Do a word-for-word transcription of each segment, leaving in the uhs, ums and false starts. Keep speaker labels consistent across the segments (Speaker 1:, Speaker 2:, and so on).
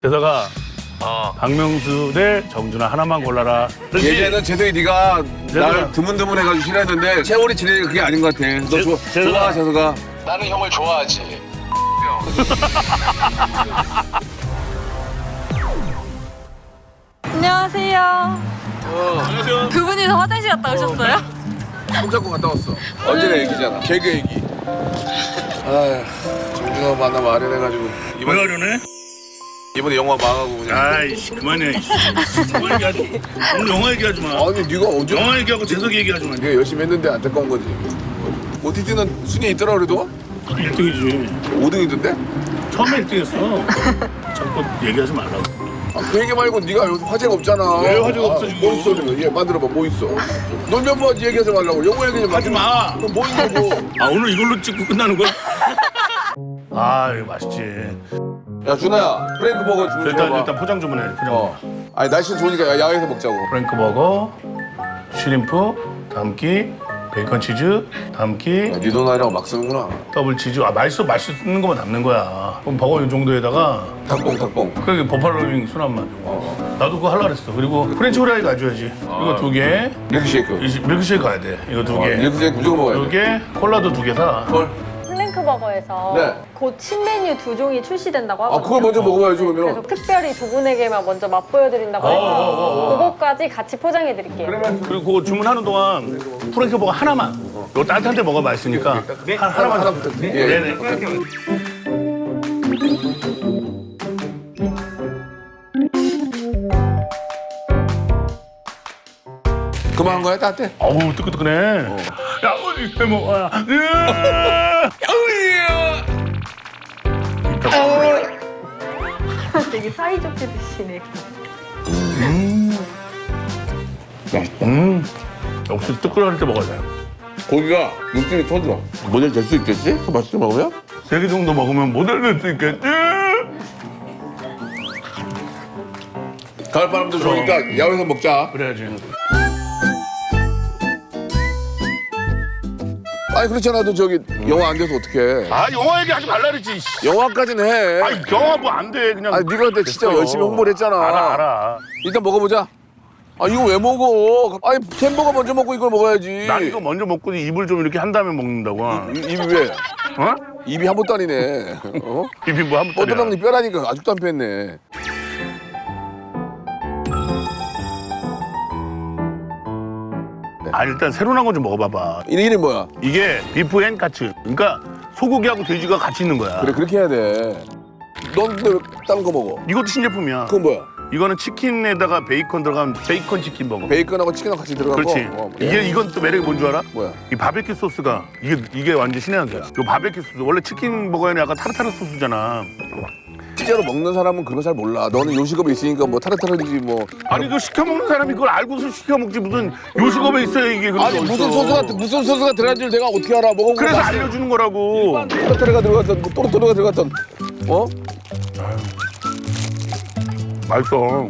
Speaker 1: 게다가
Speaker 2: 어.
Speaker 1: 박명수 대 정준하 하나만 골라라.
Speaker 3: 예전에는 재석이 네가
Speaker 1: 재석아.
Speaker 3: 날 드문드문해가지고 싫어했는데 세월이 지내니까 그게 아닌 것 같아. 너
Speaker 1: 재-
Speaker 3: 좋아,
Speaker 1: 재석아.
Speaker 3: 좋아 재석아.
Speaker 2: 나는 형을 좋아하지.
Speaker 4: 안녕하세요.
Speaker 3: 어,
Speaker 4: 두 분이서 화장실 갔다 오셨어요?
Speaker 3: 손잡고 갔다 왔어. 언제나 얘기잖아. 개그 얘기. 아휴, 정준하 만나면 아련해가지고
Speaker 1: 왜
Speaker 3: 이번
Speaker 1: 하려네?
Speaker 3: 이번에 영화 망하고 그냥.
Speaker 1: 아이씨 그만해. 그만 얘기하지. 오늘 영화 얘기하지 마.
Speaker 3: 아니 네가 언제?
Speaker 1: 영화 얘기하고 재석이 얘기하지 마.
Speaker 3: 네가 열심히 했는데 안타까운 거지. 오티티는 순위 있더라 그래도
Speaker 1: 일 등이지.
Speaker 3: 오 등이던데?
Speaker 1: 처음에 일 등했어. 자꾸 얘기하지 말라고.
Speaker 3: 아, 그 얘기 말고 네가 요새 화제가 없잖아.
Speaker 1: 왜 화제가 없어,
Speaker 3: 아,
Speaker 1: 지금?
Speaker 3: 뭐 있어 지금? 얘 만들어봐 뭐 있어? 놀면 뭐하지 얘기하지 말라고. 영화 얘기 좀
Speaker 1: 하지 마.
Speaker 3: 그럼 뭐 있냐고.
Speaker 1: 아 오늘 이걸로 찍고 끝나는 거야? 아 이거 맛있지.
Speaker 3: 야 준아야 프랭크 버거 주문
Speaker 1: 일단
Speaker 3: 줘봐.
Speaker 1: 일단 포장 주문해. 포장.
Speaker 3: 어. 아니 날씨 좋으니까 야- 야외에서 먹자고.
Speaker 1: 프랭크 버거, 슈림프, 담기, 베이컨 치즈, 담기,
Speaker 3: 야, 네 돈 아니라고 막 쓰는구나.
Speaker 1: 더블 치즈. 아 맛있어 맛있는 것만 담는 거야. 그럼 버거 이 정도에다가
Speaker 3: 닭봉 닭봉.
Speaker 1: 그게 버팔로윙 순한 맛. 나도 그거 하려고 했어. 그리고 프렌치 후라이 가져야지. 이거 두 개.
Speaker 3: 밀크쉐이크.
Speaker 1: 이 밀크쉐이크 가야 돼. 이거 두
Speaker 3: 어,
Speaker 1: 개.
Speaker 3: 밀크쉐이크 무조건 먹어야
Speaker 1: 두
Speaker 3: 돼.
Speaker 1: 개. 콜라도 두 개 사.
Speaker 3: 헐.
Speaker 4: 플랭크버거에서
Speaker 3: 네.
Speaker 4: 곧 신메뉴 두 종이 출시된다고
Speaker 3: 아
Speaker 4: 하거든요.
Speaker 3: 그걸 먼저 먹어봐야지
Speaker 4: 그래서
Speaker 3: 그러면.
Speaker 4: 특별히 두 분에게만 먼저 맛보여드린다고 해서 그것까지 같이 포장해드릴게요.
Speaker 1: 그리고 그거 주문하는 동안 프렌치 버거 하나만. 이거 따뜻한 데 먹어 맛있으니까. 하, 하나만.
Speaker 3: 하나 부탁드려. 예.
Speaker 1: 네네.
Speaker 3: 그만한 거야 따뜻해.
Speaker 1: 어우 뜨끈뜨끈해. 야 어디 해 먹어야.
Speaker 4: 되게 사이좋게 드시네.
Speaker 1: 음. 역시 뜨끈할 때 먹어야 돼.
Speaker 3: 고기가 육즙이 터져. 모델 될 수 있겠지? 그 맛있게 먹으면?
Speaker 1: 세 개 정도 먹으면 모델 될 수 있겠지?
Speaker 3: 가을바람도 좋으니까 야외에서 먹자.
Speaker 1: 그래야지.
Speaker 3: 아니 그렇지 않아도 저기 영화 안 돼서 어떡해.
Speaker 1: 아 영화 얘기하지 말라 그랬지. 씨.
Speaker 3: 영화까지는 해.
Speaker 1: 아니 영화 뭐 안 돼 그냥.
Speaker 3: 아니 네가 그때 진짜
Speaker 1: 됐어.
Speaker 3: 열심히 홍보를 했잖아.
Speaker 1: 알아 알아.
Speaker 3: 일단 먹어보자. 아 이거 왜 먹어? 아니 햄버거 먼저 먹고 이걸 먹어야지.
Speaker 1: 난 이거 먼저 먹고 입을 좀 이렇게 한 다음에 먹는다고.
Speaker 3: 이- 입이 왜?
Speaker 1: 어?
Speaker 3: 입이 한 번도 아니네. 어?
Speaker 1: 입이 뭐 한번
Speaker 3: 뻗어나가니 뼈라니까 아직도 안 뺐네.
Speaker 1: 아 일단 새로 나온 거 좀 먹어봐봐.
Speaker 3: 이 이름 뭐야?
Speaker 1: 이게 비프 앤 카츠. 그러니까 소고기하고 돼지가 같이 있는 거야.
Speaker 3: 그래 그렇게 해야 돼. 넌 근데 왜 다른 거 먹어?
Speaker 1: 이것도 신제품이야.
Speaker 3: 그건 뭐야?
Speaker 1: 이거는 치킨에다가 베이컨 들어간 베이컨 치킨 버거.
Speaker 3: 베이컨하고 치킨하고 같이 들어간
Speaker 1: 그렇지.
Speaker 3: 거? 어,
Speaker 1: 이게 이건 또 매력이 뭔 줄 알아?
Speaker 3: 뭐야?
Speaker 1: 이 바베큐 소스가 이게 이게 완전 신의 한 수야. 이 바베큐 소스 원래 치킨 버거에는 약간 타르타르 소스잖아.
Speaker 3: 실제로 먹는 사람은 그런 거 잘 몰라. 너는 요식업에 있으니까 뭐 타르타르지 뭐.
Speaker 1: 아니 그 시켜 먹는 사람이 그걸 알고서 시켜 먹지 무슨 요식업에 있어야 이게 그런
Speaker 3: 아니
Speaker 1: 게
Speaker 3: 무슨
Speaker 1: 어딨어.
Speaker 3: 소스가 무슨 소스가 들어간 줄 내가 어떻게 알아? 먹어보고
Speaker 1: 그래서
Speaker 3: 맛있어.
Speaker 1: 알려주는 거라고.
Speaker 3: 타르타르가 들어갔던 뭐 또르토르가 들어갔던 어?
Speaker 1: 맛있어.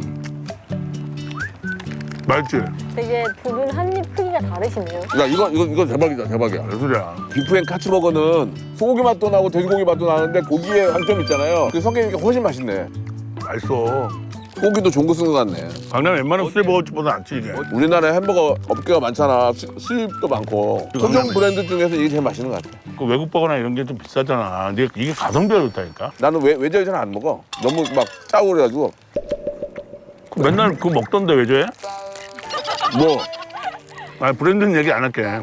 Speaker 1: 맛있지?
Speaker 4: 되게 두 분 한 입 크기가 다르시네요.
Speaker 3: 야 이거 이거 이거 대박이다 대박이야.
Speaker 1: 무슨 소리야?
Speaker 3: 비프앤 카츠버거는 소고기 맛도 나고 돼지고기 맛도 나는데 고기에 장점이 있잖아요. 그 성게니까 훨씬 맛있네.
Speaker 1: 맛있어.
Speaker 3: 소고기도 좋은 거 쓴 거 같네.
Speaker 1: 강남 웬만한 수제 버거집보다 낫지 이게.
Speaker 3: 우리나라에 햄버거 업계가 많잖아. 수, 수입도 많고. 소정 브랜드 중에서 이게 제일 맛있는 것 같아.
Speaker 1: 그 외국 버거나 이런 게 좀 비싸잖아. 근데 이게 가성비가 좋다니까.
Speaker 3: 나는 외, 외제를 잘 안 먹어. 너무 막 짜고 그래가지고.
Speaker 1: 그 맨날 그거 먹던데 왜 저래?
Speaker 3: 뭐
Speaker 1: 아 브랜드는 얘기 안 할게.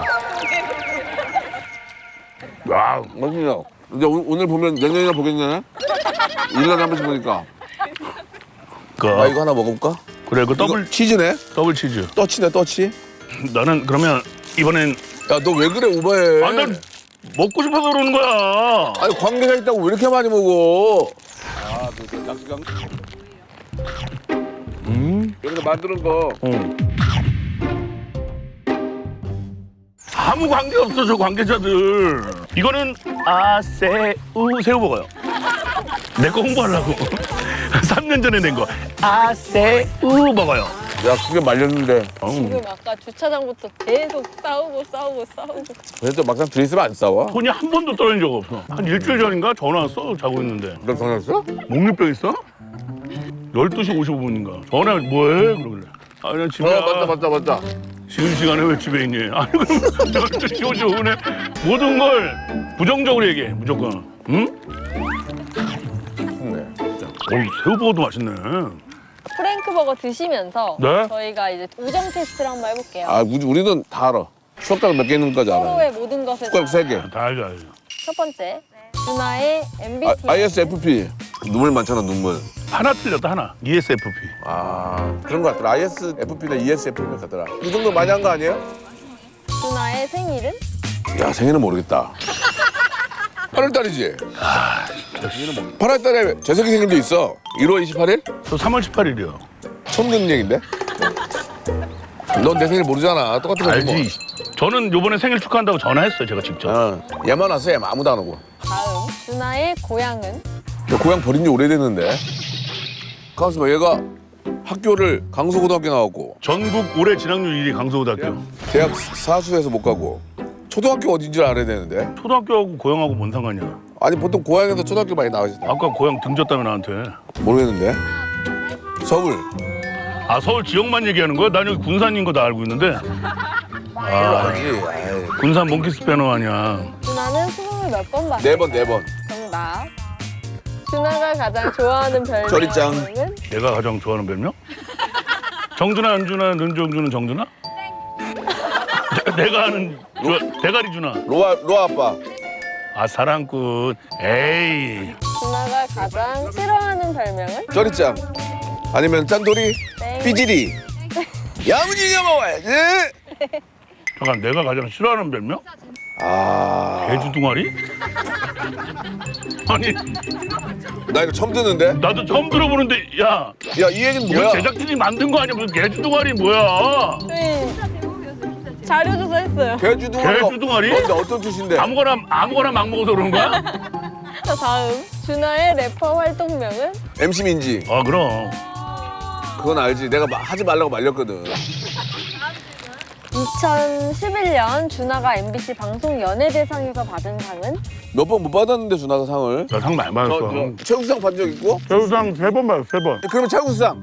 Speaker 1: 와,
Speaker 3: 맛있냐. 근데 오, 오늘 보면 내년이나 보겠네. 일 년에 한 번씩 보니까.
Speaker 1: 그
Speaker 3: 아 이거 하나 먹어볼까?
Speaker 1: 그래 그 더블
Speaker 3: 이거 치즈네?
Speaker 1: 더블 치즈.
Speaker 3: 떠치네 떠치.
Speaker 1: 나는 그러면 이번엔
Speaker 3: 야 너 왜 그래 오버해.
Speaker 1: 아 난 먹고 싶어서 그러는 거야.
Speaker 3: 아니 관계자 있다고 왜 이렇게 많이 먹어? 아, 그 낚시강.
Speaker 1: 음.
Speaker 3: 여기서 만드는 거.
Speaker 1: 어. 아무 관계 없어 저 관계자들. 이거는 아새우 새우 먹어요. 내 거 홍보하려고. 삼 년 전에 낸 거. 아새우 먹어요.
Speaker 3: 야 그게 말렸는데.
Speaker 4: 지금 아까 주차장부터 계속 싸우고 싸우고 싸우고.
Speaker 3: 그래도 막상 들이쓰면 안 싸워?
Speaker 1: 돈이 한 번도 떨어진 적 없어. 한 일주일 전인가 전화 왔어 자고 있는데.
Speaker 3: 너 전화했어?
Speaker 1: 목류병 있어? 열두 시 오십오 분인가. 전화 뭐해? 그러길래. 아, 그냥 집에.
Speaker 3: 어 맞다 맞다 맞다.
Speaker 1: 지금 시간에 왜 집에 있니? 아니 그럼 열두 시 오십오 분에 모든 걸 부정적으로 얘기해. 무조건. 응?
Speaker 3: 네.
Speaker 1: 어, 새우버거도 맛있네.
Speaker 4: 프랭크버거 드시면서
Speaker 1: 네?
Speaker 4: 저희가 이제 우정 테스트를 한번 해볼게요.
Speaker 3: 아 우리, 우리는 다 알아. 숟가락 몇 개 있는지까지 알아.
Speaker 4: 서로의 모든 것을
Speaker 3: 숟가락
Speaker 4: 다.
Speaker 3: 세 개.
Speaker 1: 다 알죠, 알죠.
Speaker 4: 첫 번째, 준하의 엠비티아이.
Speaker 3: 아, 아이에스에프피. 눈물 많잖아 눈물.
Speaker 1: 하나 틀렸다, 하나. 이에스에프피.
Speaker 3: 아 그런 거 같더라. 아이에스에프피나 이에스에프피 같더라. 이 정도 많이 한 거 아니에요?
Speaker 4: 준하의 생일은?
Speaker 3: 야 생일은 모르겠다. 팔월 달이지? 팔월 달에 재석이 생일도 있어. 일월 이십팔일?
Speaker 1: 저 삼월 십팔일이요.
Speaker 3: 처음 듣는 얘긴데? 넌 내 생일 모르잖아. 똑같은 거
Speaker 1: 알지. 저는 요번에 생일 축하한다고 전화했어요, 제가 직접.
Speaker 3: 어, 얘만 왔어. 얘만 아무도 안 오고.
Speaker 4: 다음, 준하의 고향은?
Speaker 3: 야, 고향 버린 지 오래됐는데. 가만있어 봐. 얘가 학교를 강서고등학교 나왔고
Speaker 1: 전국 올해 진학률 일 위 강서고등학교.
Speaker 3: 대학 사수해서 못 가고 초등학교 어딘지 알아야 되는데.
Speaker 1: 초등학교하고 고향하고 뭔 상관이야?
Speaker 3: 아니 보통 고향에서 초등학교 많이 나가지.
Speaker 1: 아까 고향 등졌다며 나한테.
Speaker 3: 모르겠는데. 서울.
Speaker 1: 아, 서울 지역만 얘기하는 거야? 난 여기 군산인 거 다 알고 있는데. 아,
Speaker 3: 알지. 아이.
Speaker 1: 군산 몽키스 배너 아니야.
Speaker 4: 준하는 수능을 몇 번 봤어?
Speaker 3: 네 번, 네 번.
Speaker 4: 정답. 준하가 가장 좋아하는 별명은?
Speaker 3: 저리짱.
Speaker 1: 내가 가장 좋아하는 별명? 정준하, 안준하, 눈정준은 정준하? 내가 아는 저, 대가리 준하.
Speaker 3: 로아, 로아 아빠.
Speaker 1: 아, 사랑꾼. 에이.
Speaker 4: 준하가 가장 싫어하는 별명은?
Speaker 3: 저리짱. 아니면 짠돌이.
Speaker 4: 땡.
Speaker 3: 삐지리. 야무지게 먹어야지.
Speaker 1: 잠깐, 내가 가장 싫어하는 별명?
Speaker 3: 아.
Speaker 1: 개주둥아리? 아니,
Speaker 3: 나 이거 처음 듣는데?
Speaker 1: 나도 처음 들어보는데, 야,
Speaker 3: 야, 이 얘기는
Speaker 1: 이거
Speaker 3: 뭐야?
Speaker 1: 제작진이 만든 거 아니야? 무슨 개주둥아리 뭐야?
Speaker 4: 저희 자료 조사했어요.
Speaker 3: 개주둥아리.
Speaker 1: 개주둥아리?
Speaker 3: 뭔데, 어떤 뜻인데?
Speaker 1: 아무거나 아무거나 막 먹어서 그런 거야?
Speaker 4: 자, 다음. 준하의 래퍼 활동명은?
Speaker 3: 엠씨 민지.
Speaker 1: 아, 그럼.
Speaker 3: 그건 알지. 내가 마- 하지 말라고 말렸거든.
Speaker 4: 이천십일 년 준하가 엠비씨 방송 연예대상에서 받은 상은?
Speaker 3: 몇 번 못 받았는데 준하가 상을.
Speaker 1: 나 상 많이 받았어.
Speaker 3: 최우수상 받은 적 있고?
Speaker 1: 배우상 세 번 받았어, 세 번.
Speaker 3: 그러면 최우수상.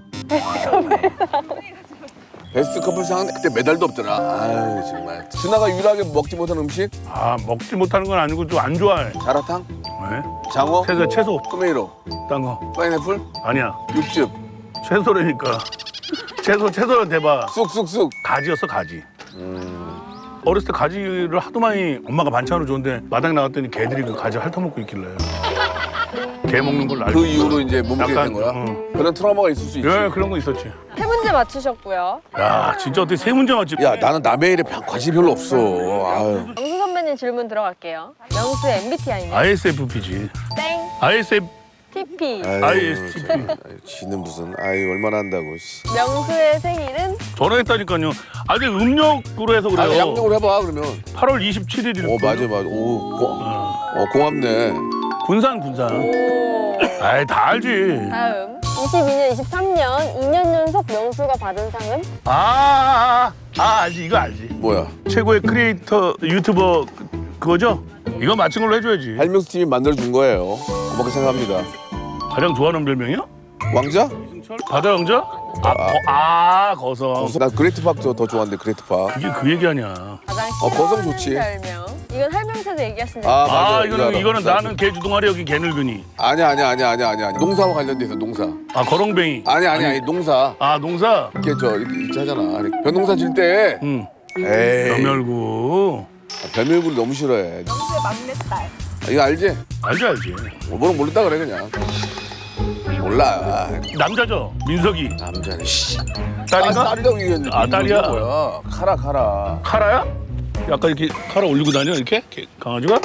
Speaker 3: 베스트 커플상은 그때 메달도 없더라. 아유 정말. 준하가 유일하게 먹지 못한 음식?
Speaker 1: 아, 먹지 못하는 건 아니고 좀 안 좋아해.
Speaker 3: 자라탕?
Speaker 1: 네?
Speaker 3: 장어?
Speaker 1: 채소, 채소.
Speaker 3: 토메이로?
Speaker 1: 딴 거.
Speaker 3: 파인애플?
Speaker 1: 아니야.
Speaker 3: 육즙?
Speaker 1: 채소라니까. 채소, 채소는 대박.
Speaker 3: 쑥쑥쑥.
Speaker 1: 가지였어, 가지.
Speaker 3: 음.
Speaker 1: 어렸을 때 가지를 하도 많이 엄마가 반찬으로 줬는데 마당에 나갔더니 개들이 그 가지 핥아먹고 있길래. 개 먹는 걸 알고.
Speaker 3: 그 이후로 이제 몸무게
Speaker 1: 약간,
Speaker 3: 된 거야?
Speaker 1: 응.
Speaker 3: 그런 트라우마가 있을 수 있지.
Speaker 1: 예, 그런 거 있었지.
Speaker 4: 세 문제 맞추셨고요.
Speaker 1: 야, 진짜 어떻게 세 문제 맞지?
Speaker 3: 야 나는 남의 일에 관심이 별로 없어. 아유.
Speaker 4: 명수 선배님 질문 들어갈게요. 명수의 엠비티아이는?
Speaker 1: 아이에스에프피지.
Speaker 4: 땡.
Speaker 1: 아이에스에프,
Speaker 4: 티피.
Speaker 3: 아유,
Speaker 1: 아이에스티피.
Speaker 3: 아유, 지는 무슨 아유 얼마나 한다고. 씨.
Speaker 4: 명수의 생일은?
Speaker 1: 전화했다니까요. 아직 음력으로 해서 그래요.
Speaker 3: 아 양력으로 해봐 그러면.
Speaker 1: 팔월 이십칠일일.
Speaker 3: 오 맞아 맞아. 오 고, 어, 고맙네.
Speaker 1: 군산, 군산.
Speaker 4: 오.
Speaker 1: 아이, 다 알지.
Speaker 4: 다음. 이십이 년, 이십삼 년 이 년 연속 명수가 받은 상은?
Speaker 1: 아, 아, 아, 아, 알지. 이거 알지.
Speaker 3: 뭐야?
Speaker 1: 최고의 크리에이터 유튜버 그- 그거죠? 이거 맞춘 걸로 해줘야지.
Speaker 3: 할명수 팀이 만들어준 거예요. 고맙게 생각합니다.
Speaker 1: 가장 좋아하는 별명이요?
Speaker 3: 왕자?
Speaker 1: 바다 왕자? 아, 거, 아 거성.
Speaker 3: 나 그레이트 파크 더 좋아하는데 그레이트 파크.
Speaker 1: 그게 그 얘기 아니야.
Speaker 4: 가장
Speaker 3: 어, 거성
Speaker 4: 싫어하는
Speaker 3: 좋지.
Speaker 4: 별명. 이건 할명세도 얘기하신 적
Speaker 3: 아,
Speaker 4: 있어요.
Speaker 3: 맞아.
Speaker 1: 아,
Speaker 3: 이거
Speaker 1: 이거는
Speaker 3: 알아.
Speaker 1: 이거는
Speaker 3: 이거
Speaker 1: 나는 개주둥아리 여기 개늙은이.
Speaker 3: 아니야 아니야 아니야 아니야 아니야. 농사와 관련돼 있어 농사.
Speaker 1: 아, 거렁뱅이.
Speaker 3: 아니 아니 아니 농사.
Speaker 1: 아, 농사.
Speaker 3: 이렇게 저 이렇게 있지 하잖아. 아니, 벼농사 질 때.
Speaker 1: 응.
Speaker 3: 에이.
Speaker 1: 염열구.
Speaker 3: 아, 별명을 너무 싫어해.
Speaker 4: 명수의 막내딸.
Speaker 3: 아, 이거 알지?
Speaker 1: 알지 알지.
Speaker 3: 뭐는 모른다 그래 그냥. 몰라.
Speaker 1: 남자죠. 민석이.
Speaker 3: 남자네. 씨.
Speaker 1: 딸인가?
Speaker 3: 아, 딸이라고 얘기했는데.
Speaker 1: 아, 딸이야?
Speaker 3: 민석이가 뭐야? 카라 카라.
Speaker 1: 카라야? 약간 이렇게 카라 올리고 다녀 이렇게 개- 강아지가?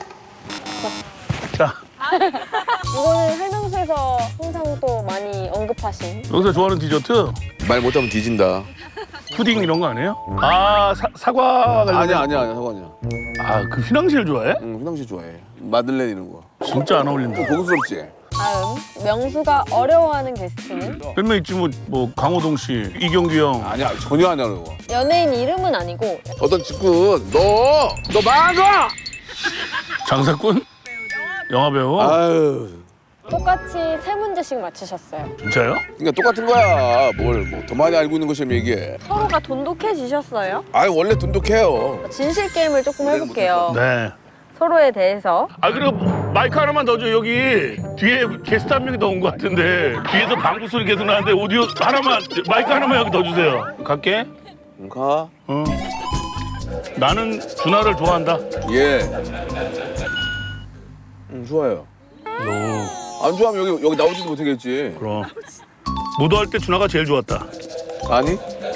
Speaker 1: 자,
Speaker 4: 이거는 할명수에서 항상 또 많이 언급하신.
Speaker 1: 여기서 좋아하는 디저트
Speaker 3: 말 못하면 뒤진다.
Speaker 1: 푸딩 이런 거 아니에요? 아, 사, 사과 관련.
Speaker 3: 아니야 아니야 아니야 사과냐.
Speaker 1: 아, 그 휘낭시를 좋아해?
Speaker 3: 응 휘낭시 좋아해. 마들렌 이런 거.
Speaker 1: 진짜 안 어울린다.
Speaker 3: 고급스럽지?
Speaker 4: 다음. 명수가 어려워하는 게스트는?
Speaker 1: 몇명 있지 뭐, 뭐 강호동 씨, 이경규 형.
Speaker 3: 아니야 전혀 안 하는 거.
Speaker 4: 연예인 이름은 아니고
Speaker 3: 어떤 직군 너너 망아.
Speaker 1: 장사꾼? 영화배우?
Speaker 3: 아유
Speaker 4: 똑같이 세 문제씩 맞추셨어요.
Speaker 1: 진짜요?
Speaker 3: 그러니까 똑같은 거야. 뭘 뭐 더 많이 알고 있는 것처럼 얘기해.
Speaker 4: 서로가 돈독해지셨어요.
Speaker 3: 아 원래 돈독해요.
Speaker 4: 진실 게임을 조금 해볼게요.
Speaker 1: 네.
Speaker 4: 서로에 대해서.
Speaker 1: 아 그리고 마이크 하나만 더 줘. 여기 뒤에 게스트 한 명이 더 온 것 같은데 뒤에서 방구 소리 계속 나는데 오디오 하나만 마이크 하나만 여기 더 주세요. 갈게.
Speaker 3: 응, 가.
Speaker 1: 어. 나는 준하를 좋아한다.
Speaker 3: 예. 응 좋아요.
Speaker 1: 너
Speaker 3: 안 좋아하면 여기 여기 나오지도 못하겠지.
Speaker 1: 그럼 무도할 때 준하가 제일 좋았다.
Speaker 3: 아니?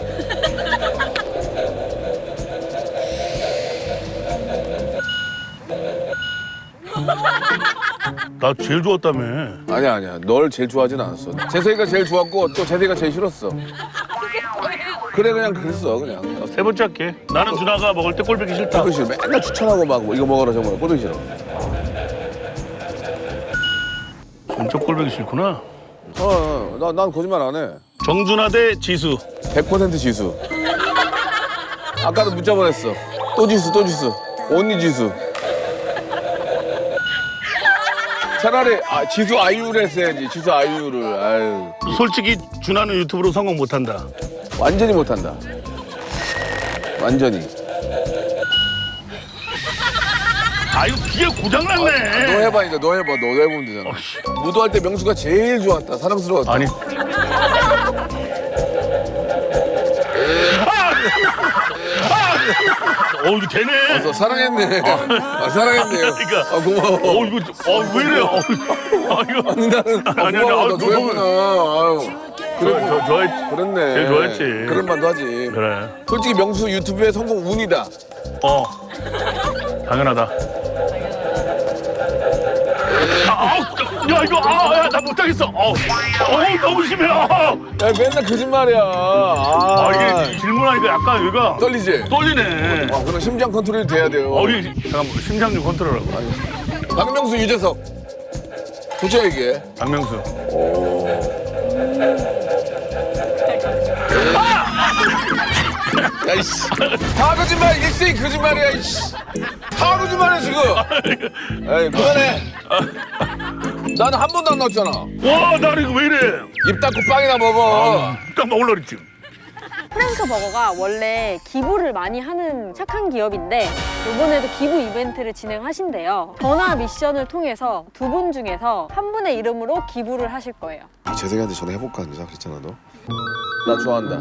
Speaker 1: 나 제일 좋았다며.
Speaker 3: 아니야 아니야. 널 제일 좋아하진 않았어. 재석이가 제일 좋았고 또 재석이가 제일 싫었어. 그래 그냥 그랬어 그냥.
Speaker 1: 세 번째 할게. 나는 준하가 먹을 때 꼴보기 싫다.
Speaker 3: 꼴보기 싫어. 맨날 추천하고 막뭐 이거 먹어라 저거 먹어라. 꼴보기 싫어.
Speaker 1: 진짜 꼴보기 싫구나.
Speaker 3: 어, 나, 난 거짓말 안 해.
Speaker 1: 정준하 대 지수.
Speaker 3: 백 퍼센트 지수. 아까도 문자 보냈어. 또 지수, 또 지수. 언니 지수. 차라리 아, 지수 아이유를 했어야지. 지수 아이유를. 아유.
Speaker 1: 솔직히 준하는 유튜브로 성공 못한다.
Speaker 3: 완전히 못한다. 완전히.
Speaker 1: 아 이거 기계 고장났네.
Speaker 3: 너 해봐, 이제 너 해봐. 너 해보면 되잖아. 무도할 때 명수가 제일 좋았다. 사랑스러웠다.
Speaker 1: 아니. 어 이거 되네.
Speaker 3: 너 사랑했네. 아, 사랑했네요.
Speaker 1: 그러니까.
Speaker 3: 아, 고마워.
Speaker 1: 어 이거 어왜 이래요? 어, 아 이거
Speaker 3: 아니, 나는. 아,
Speaker 1: 아니, 아니,
Speaker 3: 고마워.
Speaker 1: 아,
Speaker 3: 너
Speaker 1: 너무-
Speaker 3: 좋아했구나. 아유. 그래,
Speaker 1: 저, 저, 좋아했지.
Speaker 3: 그랬네.
Speaker 1: 제일 좋아했지.
Speaker 3: 그런 말도 하지.
Speaker 1: 그래.
Speaker 3: 솔직히 명수 유튜브의 성공 운이다.
Speaker 1: 어 당연하다. 아, 아, 야 이거 아나 못하겠어. 어, 어 너무 심해. 아,
Speaker 3: 야 맨날 거짓말이야. 아,
Speaker 1: 아 이게 질문하니까 약간 여기가
Speaker 3: 떨리지?
Speaker 1: 떨리네.
Speaker 3: 아, 그럼 심장 컨트롤이 돼야 돼요.
Speaker 1: 어, 이 잠깐만 심장 좀 컨트롤하고.
Speaker 3: 박명수, 유재석. 솔직히 얘기해.
Speaker 1: 박명수.
Speaker 3: 야, 이씨. 다 거짓말, 일생이 거짓말이야, 이씨. 다 거짓말이야, 지금. 에이, 그만해. 나는 한 번도 안 나왔잖아.
Speaker 1: 와, 나 이거 왜 이래?
Speaker 3: 입 닫고 빵이나 먹어.
Speaker 1: 딱 먹으려 그랬지.
Speaker 4: 프랭크 버거가 원래 기부를 많이 하는 착한 기업인데 이번에도 기부 이벤트를 진행하신대요. 전화 미션을 통해서 두 분 중에서 한 분의 이름으로 기부를 하실 거예요.
Speaker 3: 재석이한테 전화해볼까, 그랬잖아, 그랬잖아, 너. 나 좋아한다.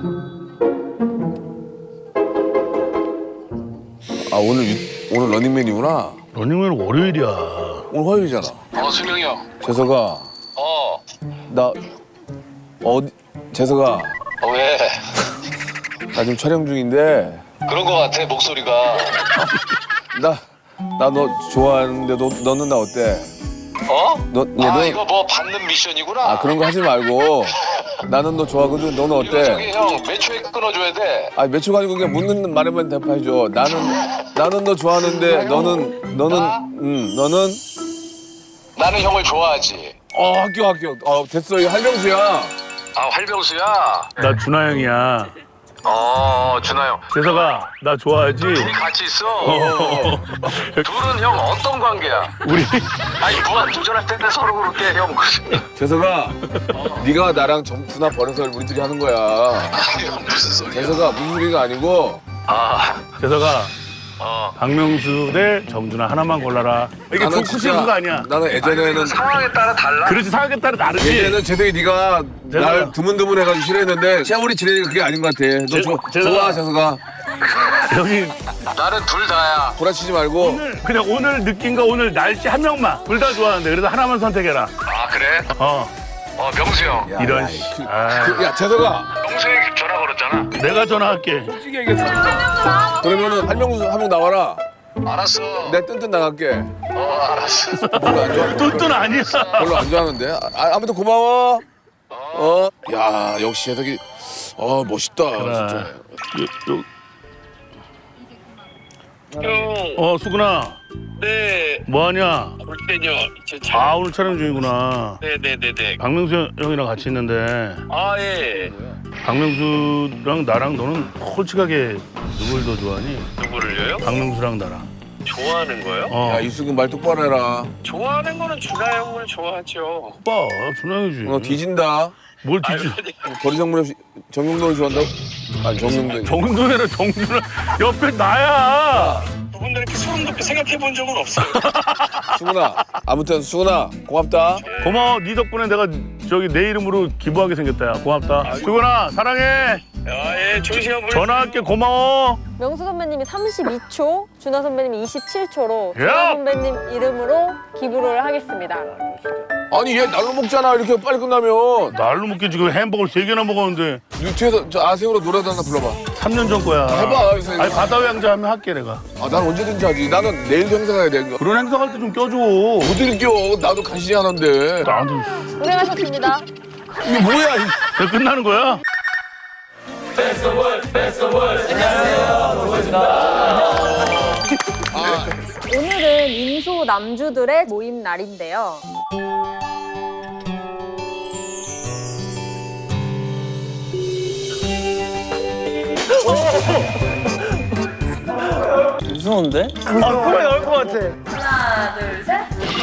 Speaker 3: 아, 오늘, 유- 오늘 러닝맨이구나.
Speaker 1: 러닝맨 월요일이야.
Speaker 3: 오늘 화요일이잖아.
Speaker 2: 어, 승용이 형.
Speaker 3: 재석아,
Speaker 2: 어,
Speaker 3: 나, 어디, 재석아,
Speaker 2: 어, 왜?
Speaker 3: 나 지금 촬영 중인데,
Speaker 2: 그런 거 같아, 목소리가.
Speaker 3: 나, 나 너 좋아하는데, 너, 너는 나 어때?
Speaker 2: 어?
Speaker 3: 너, 야,
Speaker 2: 아,
Speaker 3: 너,
Speaker 2: 이거 뭐 받는 미션이구나.
Speaker 3: 아, 그런 거 하지 말고, 나는 너 좋아하거든, 너는
Speaker 2: 이거 저기
Speaker 3: 어때?
Speaker 2: 형, 몇 초에 끊어줘야 돼?
Speaker 3: 아, 몇 초 가지고 그냥 묻는 말에만 대답해줘. 나는, 나는 너 좋아하는데, 너는, 너는, 음, 너는,
Speaker 2: 나는 형을 좋아하지.
Speaker 3: 어, 학교, 학교. 어, 됐어, 이거 할명수야.
Speaker 2: 아, 활병수야.
Speaker 1: 나 준하 형이야.
Speaker 2: 어, 준하 형.
Speaker 1: 재석아, 나 좋아하지?
Speaker 2: 둘이 같이 있어.
Speaker 1: 어.
Speaker 2: 둘은 형 어떤 관계야?
Speaker 1: 우리
Speaker 2: 아니, 무한 도전할 텐데 서로 그렇게 형.
Speaker 3: 재석아, 네가 나랑 점프나 버려서 우리 둘이 하는 거야.
Speaker 2: 아니, 형, 무슨 소리야?
Speaker 3: 재석아, 무슨 소리가 아니고,
Speaker 2: 아,
Speaker 1: 재석아,
Speaker 2: 어.
Speaker 1: 박명수 대 정준하 하나만 골라라. 이게
Speaker 3: 나는
Speaker 1: 좋고
Speaker 3: 진짜-
Speaker 1: 싫은 거 아니야.
Speaker 3: 나는 예전에는,
Speaker 2: 상황에 따라 달라.
Speaker 1: 그렇지 상황에 따라 다르지.
Speaker 3: 예전에는 재석이 네가
Speaker 1: 재석아.
Speaker 3: 날 드문드문 해가지고 싫어했는데, 세월이 지내니까 그게 아닌 것 같아. 너
Speaker 1: 재-
Speaker 3: 조,
Speaker 1: 재석아.
Speaker 3: 좋아, 재석아.
Speaker 1: 여기
Speaker 2: 나는 둘 다야.
Speaker 3: 구라치지 말고.
Speaker 1: 오늘 그냥 오늘 느낀 거 오늘 날씨 한 명만 둘 다 좋아하는데 그래서 하나만 선택해라.
Speaker 2: 아, 그래?
Speaker 1: 어
Speaker 2: 어, 명수 형.
Speaker 3: 야,
Speaker 1: 이런
Speaker 3: 야,
Speaker 1: 씨.
Speaker 3: 그-
Speaker 1: 아.
Speaker 3: 그- 야, 재석아.
Speaker 2: 명수 형이 전화 걸었잖아.
Speaker 1: 내가 전화할게.
Speaker 3: 솔직히 얘기했어. 그러면은 할명수 한 명 나와라.
Speaker 2: 알았어.
Speaker 3: 내 뜬뜬 나갈게.
Speaker 2: 어, 알았어.
Speaker 3: 별로 안 좋아.
Speaker 1: 뚠뚠 아니야.
Speaker 3: 별로 안 좋아하는데. 아, 아무튼 고마워. 어. 야, 역시 재석이. 어, 멋있다. 진짜.
Speaker 1: 요, 요.
Speaker 2: 형,
Speaker 1: 어 수근아
Speaker 2: 네.
Speaker 1: 뭐하냐?
Speaker 2: 볼 때요. 제 차.
Speaker 1: 아 오늘 촬영 중이구나.
Speaker 2: 네네네네.
Speaker 1: 박명수 형이랑 같이 있는데
Speaker 2: 아, 예.
Speaker 1: 박명수랑 나랑 너는 솔직하게 누굴 더 좋아하니?
Speaker 2: 누구를요?
Speaker 1: 박명수랑 나랑.
Speaker 2: 좋아하는 거요?
Speaker 1: 어.
Speaker 3: 야 이수근 말 똑바로 해라.
Speaker 2: 좋아하는 거는 준하 형을 좋아하죠.
Speaker 1: 오빠 준하이지.
Speaker 3: 너 뒤진다.
Speaker 1: 뭘 뒤지?
Speaker 2: 아니,
Speaker 3: 거리 정문 없이 정용돈을 좋아한다고? 아니 정용돈.
Speaker 1: 정준이랑 정준아 옆에 나야.
Speaker 2: 그분들 이렇게 소름 돋게 생각해 본 적은 없어요.
Speaker 3: 수근아. 아무튼 수근아 고맙다.
Speaker 1: 고마워. 네 덕분에 내가 저기 내 이름으로 기부하게 생겼다. 야. 고맙다. 수근아 사랑해.
Speaker 2: 아, 예, 좋은 시간 보내세요.
Speaker 1: 전화할게. 고마워.
Speaker 4: 명수 선배님이 삼십이 초, 준하 선배님이 이십칠 초로
Speaker 1: 야!
Speaker 4: 준하 선배님 이름으로 기부를 하겠습니다.
Speaker 3: 아니 얘 날로 먹잖아 이렇게 빨리 끝나면.
Speaker 1: 날로 먹게 지금 햄버거를 세 개나 먹었는데
Speaker 3: 유튜브에서 저 아세요로 노래도 하나 불러봐.
Speaker 1: 삼 년 전 거야.
Speaker 3: 해봐, 선생님.
Speaker 1: 아니 바다의 왕자 하면 할게 내가.
Speaker 3: 아 난 언제든지 하지. 나는 내일도 행사 가야 돼.
Speaker 1: 그런 행사 갈 때 좀 껴줘.
Speaker 3: 어딜 껴. 나도 간신히 하는데.
Speaker 1: 나도.
Speaker 4: 고생하셨습니다.
Speaker 3: 이게 뭐야. 이-
Speaker 1: 이제 끝나는 거야?
Speaker 4: 오늘은 인소 남주들의 모임 날인데요.
Speaker 5: 무서운데?
Speaker 4: 하나, 둘, 셋.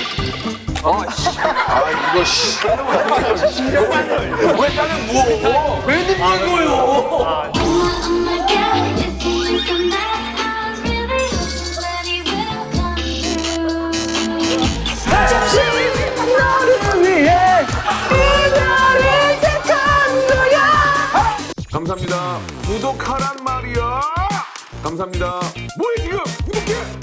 Speaker 3: 아 이거 씨. 왜 나는 무거워? 왜 늦는 거요?
Speaker 6: Oh my God, it seems so nice. I was really hoping that he will come through.
Speaker 4: 너를 위해 이별을 택한 거야.
Speaker 3: 감사합니다. 구독하란 말이야. 감사합니다. 뭐해 지금? 구독해.